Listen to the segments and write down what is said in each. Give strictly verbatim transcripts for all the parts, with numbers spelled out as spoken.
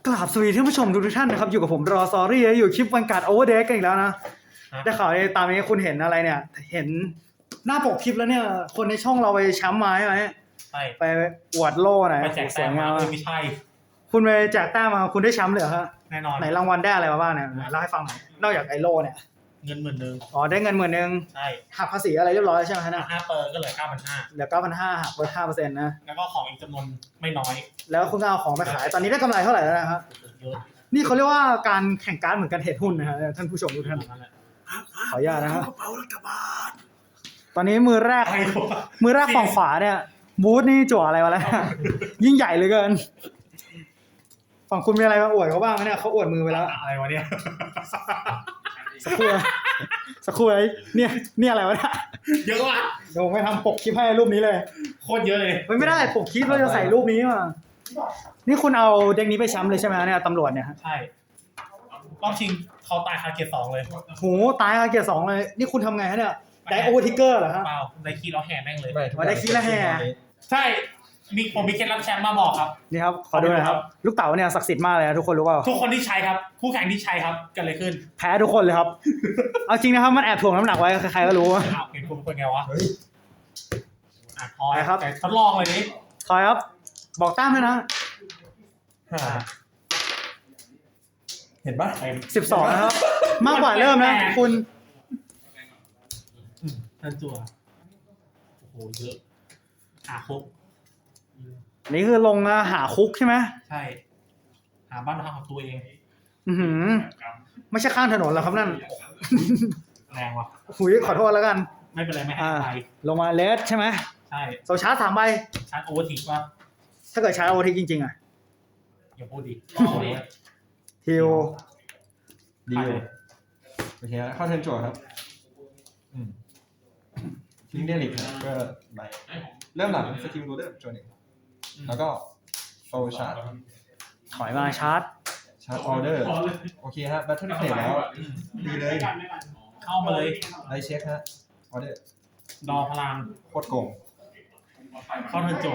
กราบสวัสดีท่านผู้ชมทุกท่านนะครับอยู่กับผมรอซอรี่อยู่คลิปวันการ์ดโอเวอร์เดย์กันอีกแล้วนะได้ข่าวในตามนี้คุณเห็นอะไรเนี่ยเห็นหน้าปกคลิปแล้วเนี่ยคนในช่องเราไปแชมป์มาใช่ไหมใช่ไปอวดโล่ไหนไปแจกแต้มมาไม่ใช่คุณไปแจกแต้มมาคุณได้แชมป์เลยเหรอฮะแน่นอนไหนรางวัลได้อะไรมาบ้างเนี่ยเล่าให้ฟังหน่อยนอกจากไอโล่เนี่ยเงินหมื่นหนึ่งอ๋อได้เงินหมื่นหนึ่งใช่หักภาษีอะไรเรียบร้อยใช่ไหมฮะเนี่ยห้าเปอร์ก็เหลือเก้าพันห้าเหลือเก้าพันห้าหักลดห้าเปอร์เซ็นต์นะแล้วก็ของอีกจำนวนไม่น้อยแล้วคุณก็เอาของไปขายตอนนี้ได้กำไรเท่าไหร่แล้วนะครับเยอะนี่เขาเรียกว่าการแข่งการเหมือนกันเทรดหุ้นนะฮะท่านผู้ชมทุกท่านขออนุญาตนะครับตอนนี้มือแรกมือแรกฝั่งขวาเนี่ยบูธนี่จั่วอะไรมาแล้วยิ่งใหญ่เหลือเกินฝั่งคุณมีอะไรมาอวดเขาบ้างเนี่ยเขาอวดมือไปแล้วอะไรวะเนี่ยสักครู่สักครู่ไอ้เนี่ยเนี่ยอะไรวะเนี่ยเยอะว่ะเดี๋ยวผมไปทำปกคลิปให้รูปนี้เลยโคตรเยอะเลยไม่ได้ปกคลิปเราจะใส่รูปนี้มานี่คุณเอาเด็กนี้ไปแชมป์เลยใช่ไหมเนี่ยตำรวจเนี่ยใช่รอบชิงเขาตายคาเกียร์สองเลยโหตายคาเกียร์สองเลยนี่คุณทำไงฮะเนี่ยได้โอเวอร์ทิกเกอร์เหรอครับเปล่าได้คีย์แล้วแห่แม่งเลยมาได้คีย์แล้วแห่ใช่มีผมมีเคล็ดลับแชมป์มาบอกครับนี่ครับขอดูหน่อยครับลูกเต๋าเนี่ยศักดิ์สิทธิ์มากเลยนะทุกคนรู้เปล่าทุกคนที่ใช้ครับคู่แข่งที่ใช้ครับกันเลยขึ้นแพ้ทุกคนเลยครับเอาจริงนะครับมันแอบถ่วงน้ำหนักไว้ใครๆก็รู้อ้าวเห็นคุณเป็นไงวะอ่ะพอครับแต่ทดลองเลยดิถอยครับบอกตั้มด้วยนะเห็นปะสิบสองนะครับมากกว่าเริ่มนะคุณท่านจั่วโอ้โหเยอะหาคุกนี่คือลงหาคุกใช่ไหมใช่หาบ้านพักของตัวเองอือหือไม่ใช่ข้างถนนหรอครับนั่นแรงว่ะหุยขอโทษแล้วกันไม่เป็นไรไม่ให้ใครลงมาเลสใช่ไหมใช่โซชาร์จสามใบชาร์จโอเวอร์ทิกว่าถ้าเกิดชาร์จโอเวอร์ทิกจริงๆอ่ะอย่าพูดดิฮิวดีเลยโอเคเข้าเทิร์นจั่วครับทิ้งเดลิกก็ใบเริ่มหลังสกิลโรเดอร์จั่วหนึ่งแล้วก็โซชาร์จถอยมาชาร์จชาร์จออเดอร์โอเคฮะแบทเทิลเพลย์แล้วดีเลยเข้ามาเลยไลเช็คฮะออเดอร์ดอพลังโคตรโกงเข้าเทิร์นจั่ว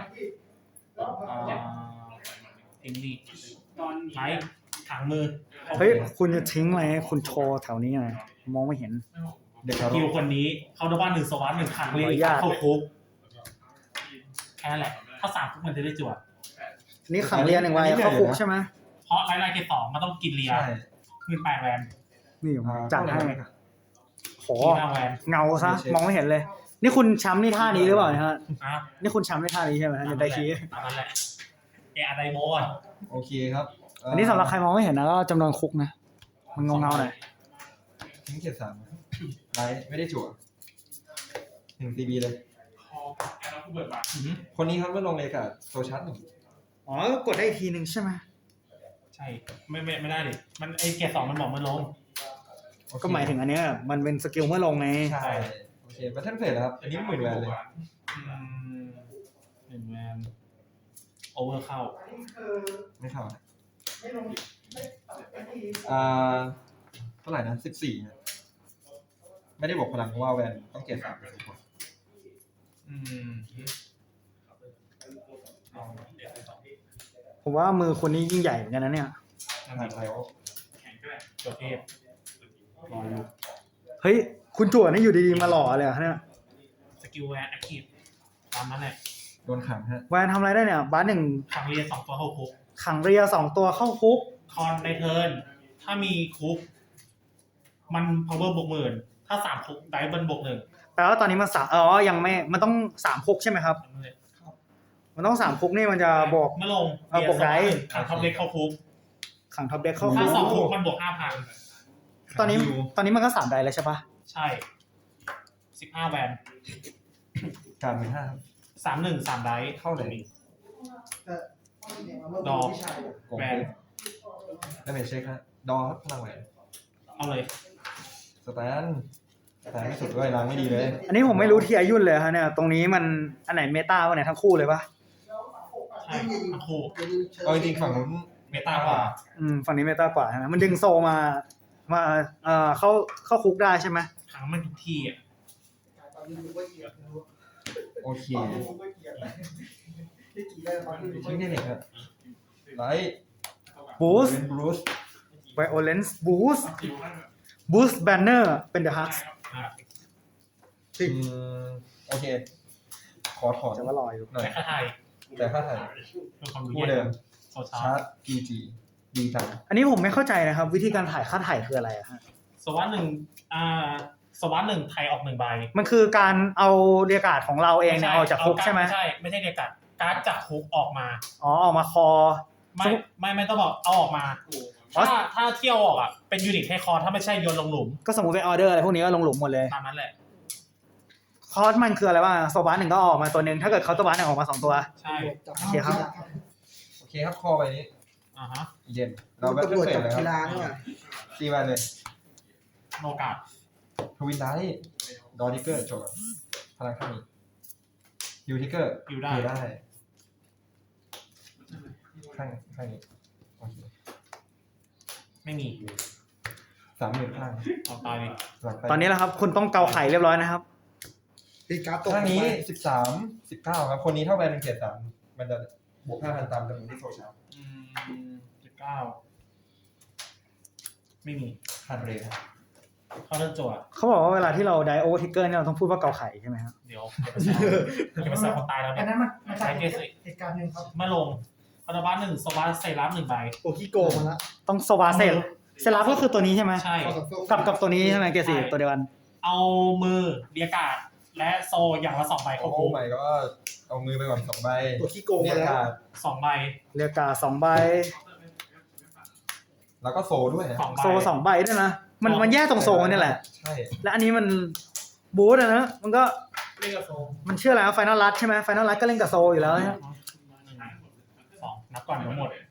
ทิ้งนี่ไลท์ถังมือเฮ้ยคุณจะทิ้งอะไรคุณโชว์แถวนี้ไงมองไม่เห็นเด็กคิวคนนี้เข้าด้วยบ้านหนึ่งสวัสดิ์หนึ่งครั้งเลยเข้าคุกแค่นั้นแหละถ้าสามคุกมันจะได้จั่วนี่ขังเรียนหนึ่งใบเข้าคุกใช่ไหมเพราะไลท์ไลท์เกตสองมันต้องกินเรียเงินแปดแวนนี่จัดให้โหเงาซะมองไม่เห็นเลยนี่คุณแชมป์นี่ท่านี้หรือเปล่าเนี่ยฮะนี่คุณแชมป์นี่ท่านี้ใช่ไหมฮะได้คีย์ตามนั้นแหละเอออะไรโม่ะโอเคครับอันนี้สำหรับใครมองไม่เห็นนะก็จำนวนคุกนะมันเงาเงาหน่อยทิ้งเกียร์สามไลท์ไม่ได้จั่วหนึ่งซีบีเลยคนนี้ครับเมื่อลงเลยกับโซชาร์จหนึ่งอ๋อกดได้ทีหนึ่งใช่ไหมใช่ไม่ไม่ไม่ได้ดิมันไอเกียร์สองมันบอกมันลงก็หมายถึงอันเนี้ยมันเป็นสกิลเมื่อลงไงใช่โอเคบัตเทิลเพลย์ครับอันนี้หมื่นแวนเลยหมื่นแวนโอเวอร์เข้าไม่เข้าอ่าเท่าไหร่นะสิบสี่ไม่ได้บอกพลังเพราะว่าแวนต้องเกียร์สามเป็นคนอืมผมว่ามือคนนี้ยิ่งใหญ่เหมือนกันนะเนี่ยตัวเทพรออยู่เฮ้ยคุณจั่วนี่อยู่ดีๆมาหล่อเลยอะเนี่ยสกิลแวนแอคทีฟตามนั้นแหละโดนขังฮะแวนทำอะไรได้เนี่ยบาสหนึ่งขังเรียสองตัวเข้าคุกขังเรียสองตัวเข้าคุกคอนในเทิร์นถ้ามีคุกมัน power บวกหมื่นถ้าสามคุกไดเบิลบวกหนึ่งแปลว่าตอนนี้มันสามอ๋อยังไม่มันต้องสามคุกใช่ไหมครับมันต้องสามคุกนี่มันจะบวกไม่ลงเอาบวกได้ขังท็อปเด็กเข้าคุกขังท็อปเด็กเข้าคุกถ้าสองคุกมันบวกห้าพันตอนนี้ตอนนี้มันก็สามไดแล้วใช่ปะใช่สิบห้าแวนการเป็นห้าสามหนึ่งสามไดเข้าเลยดอกแวนได้เมจเช็คฮะดอครับพลังแวนเอาเลยสแตนสแตนไม่สุดด้วยล้างไม่ดีเลยอันนี้ผมไม่รู้ที่อายุเลยฮะเนี่ยตรงนี้มันอันไหนเมตาวันไหนทั้งคู่เลยปะใช่ทั้งคู่เอาจริงฝั่งนู้นเมตากว่าอืมฝั่งนี้เมตากว่าใช่ไหมมันดึงโซมามาเอ่อเข้าเข้าคุกได้ใช่ไหมทั้งมันทุกที่อ่ะโอเคทิ้งได้เลยครับไลท์ Boost เป็นบรูซ Violence Boost Boost Banner เป็น The Hux อ่ะอืมโอเค ขอถอนจะว่ารออยู่หน่อยแต่ค่าไทยแต่ค่าถ่ายเพื่อความรู้คู่เดิมโซชาชาร์ร์จ พี จี ดีจังอันนี้ผมไม่เข้าใจนะครับ วิธีการถ่ายค่าถ่ายคืออะไรอะฮะสวัสดหนึ่งอ่าสวัสดหนึ่งไทยออกหนึ่งใบมันคือการเอาเรียกการ์ดของเราเองเนี่ยออกจากคุกใช่ไหมไม่ใช่ไม่ใช่เรียกการ์ดการ์ดจากคุกออกมาอ๋อออกมาคอไม่ไม่ไม่ต้องบอกเอาออกมา ถ้าถ้าเที่ยวออกอ่ะเป็นยูนิตให้คอถ้าไม่ใช่โยนลงหลุมก็สมมติเป็นออเดอร์อะไรพวกนี้ก็ลงหลุมหมดเลยตามนั้นแหละคอร์สมันคืออะไรบ้างโซบาหนึ่งก็ออกมาตัวหนึ่งถ้าเกิดเขาตัวบาหนึ่งออกมาสองตัวใช่โอเคครับโอเคครับ คอไปนี้อ่าฮะเย็น เราแบบตำรวจเฟจัดบเลยคกีฬารับเนี่ยตีไปเลยโนกาดทวินได้ดอนิเกอร์โจทย์พลังข้างนี้ยูทิเกอร์อยู่ได้ได้ข้างข้างนี้โอเคไม่มีสามหมื่นข้างเอาตายเลยหลังไปตอนนี้แหละครับ คุณต้องเกาไข่เรียบร้อยนะครับตีการ์ดตกข้างนี้สิบสามสิบเก้าครับ คนนี้เท่าแบนเป็นเกียรติสามมันจะบวกห้าพันตามจำนวนที่โซชาร์อืมสิบเก้าไม่มีพันเรทเข้าเรื่องจั่วเขาบอกว่าเวลาที่เราไดโอทิกเกอร์เนี่ยเราต้องพูดว่าเกาไข่ใช่ไหมครับเดี๋ยวเดี๋ยวไปแซวคนตายแล้วอัเนี่นยนั้นมันมาใช้จากเกสเหตุการณ์หนึ่งครับมาลงคาราบาหนึ่งสวัสดใส่รับหนึ่งใบโอคิโกมาละต้องโซบาเซลเซลับก็คือตัวนี้ใช่ไหมใช่กับกับตัวนี้ใช่ไหมเกรดสี่ตัวเดียวกันเอามือเรียกการ์ดและโซอย่างละสองใบโอ้เข้าโหคุกใหม่ก็เอามือไปก่อนสองใบโอคิโกเรีมายกแล้วการ์ดสองใบเรียกกาสองใบแล้วก็โซด้วยนะสองใบโซสองใบด้วยนะ มันมันแย่ตรงโซนี่แหละใช่และอันนี้มันบูทอะนะ มันก็เรียกกับโซมันชื่ออะไรไฟนอลรัดใช่ไหมไฟนอลรัดก็เล่นกับโซอยู่แล้วนะสองนับก่อนทั้งหมด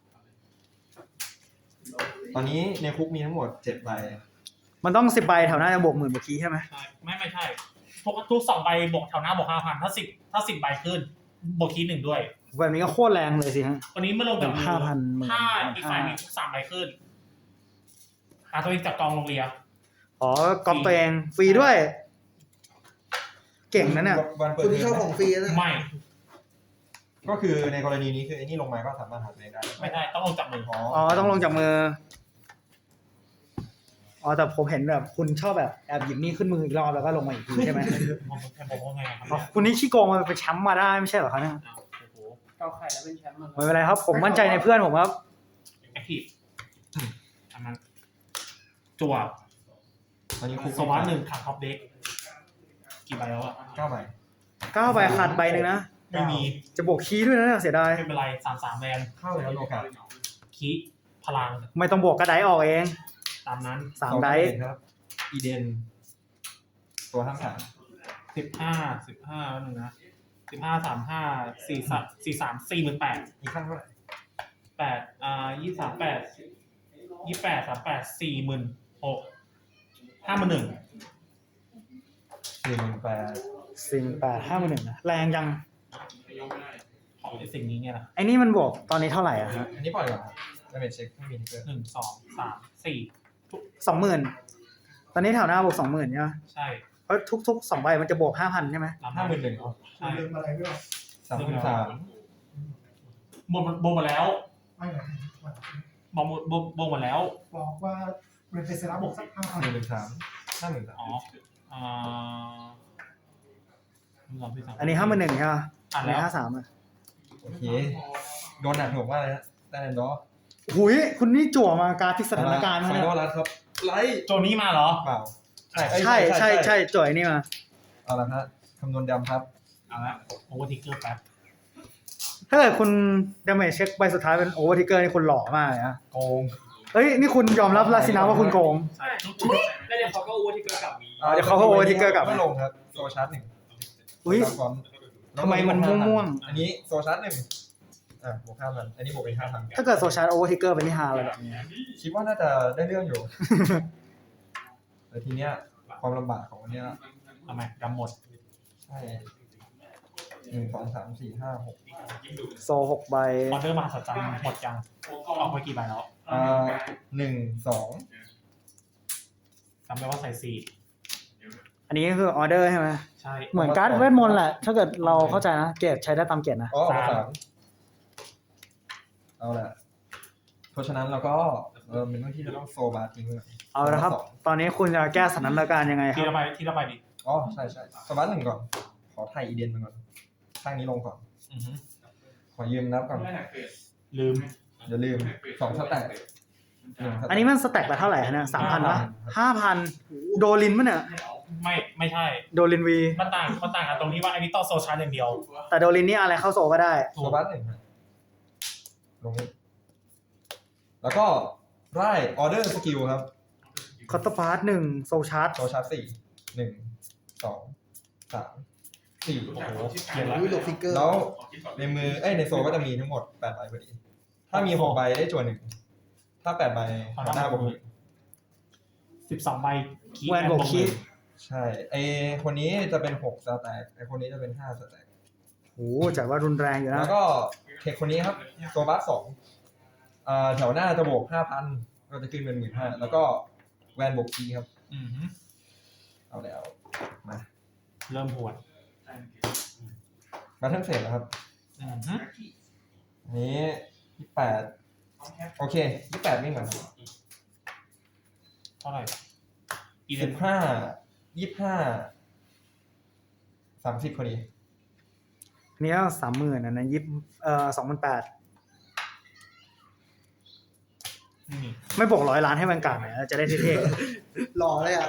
ตอนนี้ในคุกมีทั้งหมดเจ็ดใบมันต้องสิบใบแถวหน้าจะบวกหมื่นบวกคีย์ใช่ไหมใช่ไม่ไม่ใช่ทุกทุกสองใบบวกแถวหน้าบวกห้าพันถ้าสิบถ้าสิบใบขึ้นบวกคีย์หนึ่งด้วยแบบนี้ก็โคตรแรงเลยสิฮะวันนี้เมื่อลงจากมือห้าพันหมื่นถ้าอีกฝ่ายมีทุกสามใบขึ้นหาตัวเองจากกองลงเรียอ๋อก๊อปตัวเองฟรีด้วย เก่งนะเนี่ยวันเปิดคุณเทที่อชอบมของฟรีนะไม่ก็คือในกรณีนี้คือไอ้นี่ลงมาก็สามารถหาตัวเองได้ไม่ได้ต้องลงจากมืออ๋ออ๋อต้องลงจากมือ อ๋อแต่ผมเห็นแบบคุณชอบแบบแอบหยิบนี่ขึ้นมืออีกรอบแล้วก็ลงมาอีกทีใช่ไหมผมผมว่าไงครับอ๋อคุณนี่ขี้โกงมาเป็นแชมป์มาได้ไม่ใช่เหรอครับเนี่ยอ้าวโอ้โหเกาไข่แล้วเป็นแชมป์มันไม่เป็นไรครับ ผมมั่นใจในเพื่อนผมครับแอคทีฟอันนั้นจั่วตอนนี้คุกสวัสดหนึ่งขังท็อปเด็กกี่ใบแล้วอะเก้าใบเก้าใบขาดใบหนึ่งนะไม่มีจะบวกคีย์ด้วยนะเนี่ยเสียดายไม่เป็นไรสามสามแวนเข้าเลยครับโอกาสคีพลังไม่ต้องบวกกระไดออกเองตามนั้นสามไดครับ อีเดน ตัวทั้งสามสิบห้าสิบห้าหนึ่งนะสิบห้าสามห้าสี่สามสี่สามสี่หมื่นแปดอีกข้างเท่าไหร่แปดอ่ายี่สามแปดยี่แปดสามแปดสี่หมื่นหกห้าหมื่นหนึ่งสี่หมื่นแปดสิ่งแปดห้าหมื่นหนึ่งนะแรงยังของไอ้สิ่งนี้เนี่ยนะไอ้นี่มันบวกตอนนี้เท่าไหร่อะฮะอันนี้ปล่อยก่อนครับดาเมจเช็คไม่มีทิกเกอร์หนึ่งสองสามสี่สองหมื่นตอนนี้แถวหน้าบวกสองหมื่นใช่ไหมใช่เพราะทุกๆสองใบมันจะบวกห้าพันใช่ไหมรับห้าหมื่นหนึ่งใช่ลืมอะไรไม่รู้สามหมื่นสามบวกบวกมาแล้วไม่ไหนบวกบวกบวกมาแล้วบอกว่าเรนเฟสระบอกสักห้าพันหนึ่งหมื่นสามห้าหมื่นสามอ๋ออ่าลองพี่สั่งอันนี้ห้าหมื่นหนึ่งใช่ไหมอ่ะอันแล้นี้วห้าสามอะโอเค โดนหนักหน่วงมากเลยนะได้แอนดอร์หุยคุณนี่จั่วมาการพลิกสถานการณ์ไฟนะนอลรัดครับ ไลท์โจนี้มาเหรอเปล่า ใช่เอ้ยใช่ใช่ใช่จั่วไอ้นี่มาเอาละฮะคำนวณดำครับเอาละโอเวอร์ทิกเกอร์แป๊บถ้าเกิดคุณดาเมจเช็คใบสุดท้ายเป็นโอเวอร์ทิกเกอร์นี่คุณหล่อมากเลยนะโกงเฮ้ยนี่คุณยอมรับแล้วสินะว่าคุณโกงใช่แล้วเดี๋ยวเขาก็โอเวอร์ที่เกิดกับอ๋อเดี๋ยวเขาก็ over trigger กลับไม่ลงครับ โซชาร์จหนึ่งอุ้ยตามฟอนต์ทำไมมันม่วงอันนี้โซชาร์จหนึ่งอ่ะบวกห้าพันอันนี้บวกเป็นห้าพันๆถ้าเกิดโซชาร์โอเวอร์ทิกเกอร์เป็นที่ฮาอะไรแบบนี้คิดว่าน่าจะได้เรื่องอยู่ แต่ทีเนี้ยความลำบากของอันเนี้ยทำไมดำหมดใช่หนึ่งสองสามสี่ห้าหกโซหกใบออเดอร์มาสัจจังหมดยังออกไปกี่ใบแล้วอ่าหนึ่งสองจำได้ว่าใส่สี่อันนี้ก็คือออเดอร์ใช่ไหมใช่เหมือนการ์ดเวทมนต์แหละ ถ้าเกิดเราเข้าใจนะ เกรดใช้ได้ตามเกรดนะอ๋อเอามาสามเอาละเพราะฉะนั้นเราก็เออเป็นเรื่องที่จะต้องโซบาทิ้งเลยเอาละครับ ตอนนี้คุณจะแก้สถานการณ์ยังไงคทีรับละใบทีละใบดิอ๋อใช่ใช่โซบาหนึ่งก่อน ขอไทยอีเดนมาก่อนข้างนี้ลงก่อนอือฮึขอยืมนับก่อนลืมอย่าลืมสองสแต็กหงสแต็กอันนี้มันสแต็กไปเท่าไหร่ฮะเนี่ยสามพันปะห้าพันโดลินมั้ยเนี่ยไม่ไม่ใช่โดลินวีมันต่างมันต่างกันตรงที่ว่าอันนี้ต้องโซชาร์จอย่างเดียวแต่โดลินนี่อะไรเข้าโซก็ได้โซบาหนึ่งฮะลงนี้แล้วก็ไร่ออเดอร์สกิลครับคอตเตอร์พาร์ทหนึ่งโซชาร์จโซชาร์จสี่หนึ่งสองสามสี่โอ้โหเขียนแล้ววิโลฟิกเกอร์แล้วในมือเอ้ยในโซก็จะมีทั้งหมดแปดใบพอดี ถ้ามีหกใบได้จวนหนึ่งถ้าแปดใบหน้าบวกหนึ่งสิบสองใบคีแวนโบกคีใช่ไอคนนี้จะเป็นหกสแต็กไอคนนี้จะเป็นห้าสแต็กโอ้จัดว่ารุนแรงอยู่นะแล้วก็เทคคนนี้ครับโซบัสสองอ่าแถวหน้าจะบวกห้าพันก็จะขึ้นเป็นหมื่นห้าแล้วก็แวนบวกคีครับอือฮึเอาแล้วมาเริ่มหวดมาทั้งเสร็จแล้วครับอือฮึอันนี้ยี่แปดโอเคยี่แปดวิ่งก่อนเท่าไหร่อีเดสินบห้ายี่ห้าสามสิบพอดีอันนี้สามหมื่นอันนั้นยิบเอ่อสองพันแปดนี่ไม่บวกร้อยล้านให้แวนการ์ดหน่อยจะได้เท่หล่อเลยอ่ะ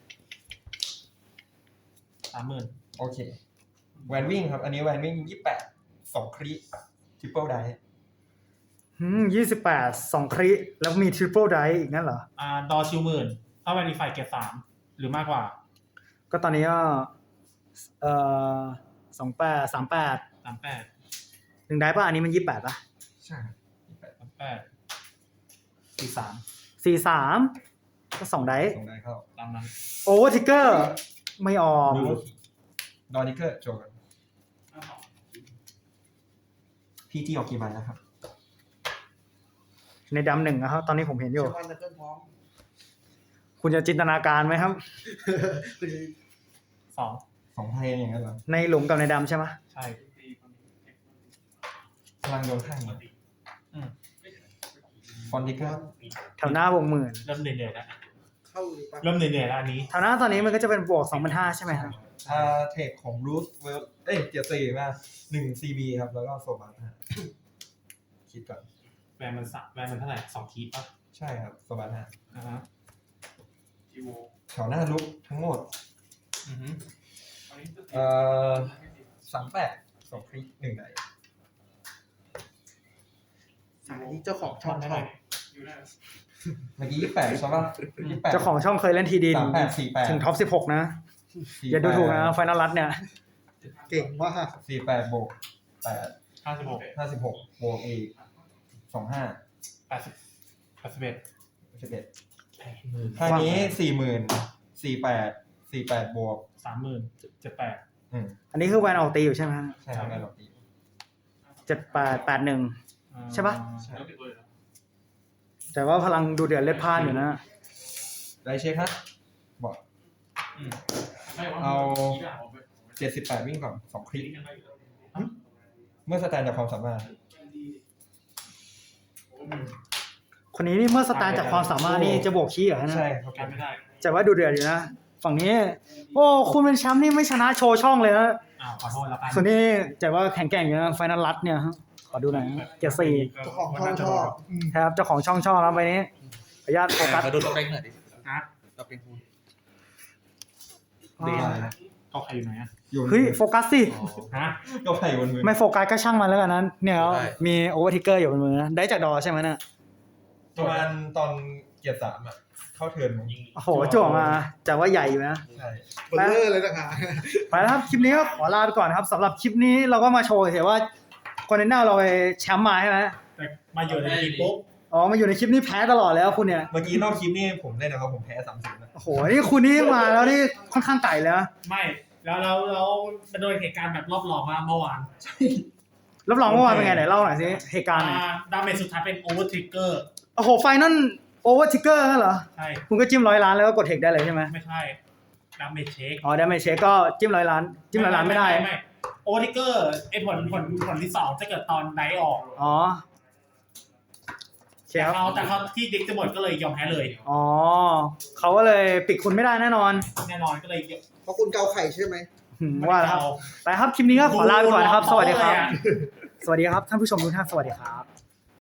สามหมื่นโอเคแวนวิ่งครับ อันนี้แวนวิ่งยี่แปดสองครีทริปเปิลไดๆอืมยี่สิบแปดสองคริแล้วมีทริปเปิลไดอีกนั่นเหรออ่าดอชิวหมื่นถ้าแวนดีไฟเกรดสามหรือมากกว่าก็ตอนนี้ก็เอ่อสองแปดสามแปดสามแปดหนึ่งได้ป่ะอันนี้มันยี่แปดป่ะใช่ยี่แปดสามแปดสี่สามสี่สามก็สองได้สองได้เข้าตามนั้นโอเวอร์ทิกเกอร์ไม่ออกดูดอนิเกอร์โจกันพีจีออกกี่ใบแล้วครับในดำหนึ่งนะครับตอนนี้ผมเห็นอยู่เชื่อมั่นในเพื่อนพ้องคุณจะจินตนาการไหมครับสองสองเพลงอย่างนั้นเหรอในหลุมกับในดำใช่ไหมใช่พลังโดนข้างมาอืมฟอนดิเกอร์แถวหน้าบวกหมื่นเริ่มเหนื่อยๆแล้วเข้าหรือเปล่าเริ่มเหนื่อยๆแล้วอันนี้แถวหน้าตอนนี้มันก็จะเป็นบวกสองพันห้าใช่ไหมครับอ่าเทคของรูสเวลเอ้ยเจียซีมาหนึ่งซีบีครับ แล้วก็โซบัสฮะคิดก่อนแวนมันสักแวนมันเท่าไหร่สองทีป่ะใช่ครับโซบัสฮะอ่าฮะแถวหน้าลุกทั้งหมดอือฮึเอ่อสามแปดสองคลิกหนึ่งใดสายนี้เจ้าของช่องได้ชไหมอบเมื่อกี้ยี่แปดใช่ป่ะยี่แปดเจ้าของช่องเคยเล่นทีดีสามแปดสี่แปดถึงท็อปสิบหกนะ อย่าดูถูกนะไฟนอลรัตเนี่ยเก่งมากสี่แปดบวกแปดห้าสิบหกห้าสิบหกบวกอีกสองห้าแปดสิบแปดสิบเอ็ดสิบเอ็ดแปดหมื่นค่านี้สี่หมื่นสี่แปดสี่แปดบวกสามหมื่นเจ็ดแปดอืมอันนี้คือแวนออกตีอยู่ใช่ไหมฮะใช่ครับแม่หลอกดีเจ็ดแปดแปดหนึ่ง ใช่ปะใช่แต่ว่าพลังดูเดือดเล็ดพล่านอยู่นะได้เช็คฮะบอกอืมเอาเจ็ดสิบแปดวิ่งก่อนสองคลิกเมื่อสแตนจากความสามารถคนนี้นี่เมื่อสตาร์ทจากความสามารถนี่จะบวกขี้เหรอฮะใช่เนี่ยครับการไม่ได้แต่ว่าดูเดือดอยู่นะ ฝั่งนี้ โอ้คุณเป็นแชมป์นี่ไม่ชนะโชว์ช่องเลยนะอ้าวขอโทษแล้วกันส่วนนี้แต่ว่าแข็งแกร่งอยู่นะไฟนอลรัตเนี่ยฮะขอดูหน่อยนะเกียร์สี่เจ้าของช่องชอบอืมครับเจ้าของช่องช่องครับไปนี้ขออนุญาตโฟกัสมาดูตัวเองหน่อยดิฮะตัวเป็นคุณอ่าเขาใครอยู่ไหนอ่ะอยู่เฮ้ยโฟกัสสิฮะก็ไผ่บนมือไม่โฟกัสก็ช่างมันแล้วกันนั้นเนี่ยมีโอเวอร์ทิกเกอร์อยู่บนมือนะได้จากดอใช่ไหมเนี่ยประมาณตอนเกียร์สามอ่ะเข้าเทิร์นมั้งโอ้โหจั่วมาแต่ว่าใหญ่อยู่นะใช่เบลเลอร์เลยต่างหากไปแล้วครับคลิปนี้ก็ขอลาไปก่อนนะครับสำหรับคลิปนี้เราก็มาโชว์เห็นว่าคอนเทนเนอร์เราไปแชมป์มาใช่ไหมแต่มาอยู่ในทีมปุ๊บอ๋อมาอยู่ในคลิปนี้แพ้ตลอดแล้วคุณเนี่ยเมื่อกี้นอกคลิปนี่ผมเล่นนะครับผมแพ้สามสิบนะโอ้โหนี่คุณนี่มาแล้วนี่ค่อนข้างไก่เลยนะไม่แล้วเราเราโดยเหตุการณ์แบบรอบรองมาเมื่อวานรับรองเมื่อวานเป็นไงไหนเล่าหน่อยสิเหตุการณ์หน่อยอ่าดาเมจสุดท้ายเป็นโอเวอร์ทริกเกอร์โอ้โหไฟนั่นโอเวอร์ทิกเกอร์นั่นเหรอใช่คุณก็จิ้มร้อยล้านแล้วก็กดเทคได้เลยใช่ไหมไม่ใช่ดาเมจเช็คอ๋อได้ไม่เช็คก็จิ้มร้อยล้านจิ้มร้อยล้านไม่ได้ไม่โอเวอร์ทริกเกอร์ไอผลผลผลที่สองจะเกิดตอนไดออกอ๋อเชแต่ฟเขาแต่เขาที่เด็กจะหมดก็เลยยอมแพ้เลยอ๋อเขาก็เลยปิดคุณไม่ได้แน่นอนแน่นอนก็เลยเพราะคุณเกาไข่ใช่ไหมหืมว่าแล้วครับไปครับคลิปนี้ก็ขอลาไปก่อนนะครับ สวัสดีครับ สวัสดีครับท่านผู้ชมทุกท่านสวัสดีครับ